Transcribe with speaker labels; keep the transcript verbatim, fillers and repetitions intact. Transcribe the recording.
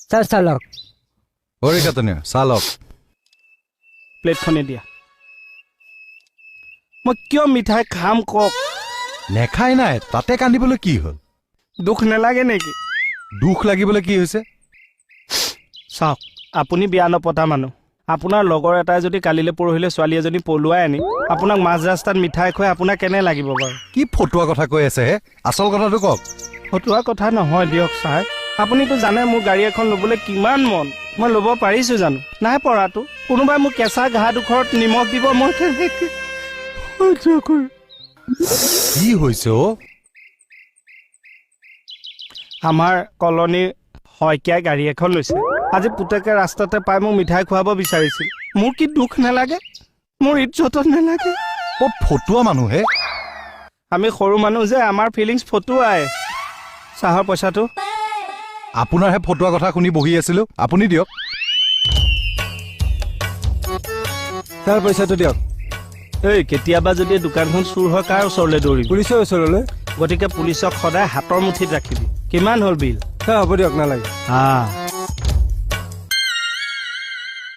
Speaker 1: sir চালক
Speaker 2: অৰে কাটনীয়া চালক
Speaker 3: প্লেটখনে দিয়া মই কিয় মিঠাই খাম কওক
Speaker 2: নেখাই নাই তাতে কান্দিবলৈ কি হ'ল
Speaker 3: দুখ নালাগে নেকি
Speaker 2: দুখ লাগিবলৈ কি হৈছে
Speaker 3: চাওক আপুনি বিয়া নপতা মানুহ আপোনাৰ লগৰ এটাই যদি কালিলৈ পৰহিলৈ ছোৱালী এজনী পলুৱাই আনি আপোনাক মাজ ৰাস্তাত মিঠাই খুৱাই আপোনাক কেনে লাগিব বাৰু
Speaker 2: কি ফটুৱা কথা কৈ আছে হে আচল কথাটো কওক
Speaker 3: ফটুৱা কথা নহয় দিয়ক ছাৰ আপুনিতো জানে মোৰ গাড়ী এখন ল'বলৈ কিমান মন মই ল'ব পাৰিছো জানো নাই পৰাটো কোনোবাই মোক কেঁচা ঘাঁহ দুখৰত নিমখ দিব মই কেনেকৈ সহ্য কৰিম
Speaker 2: কি হৈছে অ
Speaker 3: আমাৰ কলনীৰ শইকীয়াই গাড়ী এখন লৈছে আজি পুতেকে ৰাস্তাতে পাই মোক মিঠাই খুৱাব বিচাৰিছিল মোৰ কি দুখ নালাগে মোৰ ইজ্জত নালাগে
Speaker 2: অ ফটুৱা মানুহে
Speaker 3: আমি সৰু মানুহ যে আমাৰ ফিলিংছ ফটুৱাই চাহৰ পইচাটো
Speaker 2: আপোনাৰহে ফটুৱা কথা শুনি বহি আছিলো আপুনি দিয়ক
Speaker 1: ছাৰ পইচাটো দিয়ক
Speaker 3: এই কেতিয়াবা যদি দোকানখন চুৰ হয় কাৰ ওচৰলৈ দৌৰিবি
Speaker 1: পুলিচৰ ওচৰলৈ
Speaker 3: গতিকে পুলিচক সদায় হাতৰ মুঠিত ৰাখিবি কিমান হ'ল বিল
Speaker 1: ছাৰ হ'ব দিয়ক নালাগে
Speaker 3: হা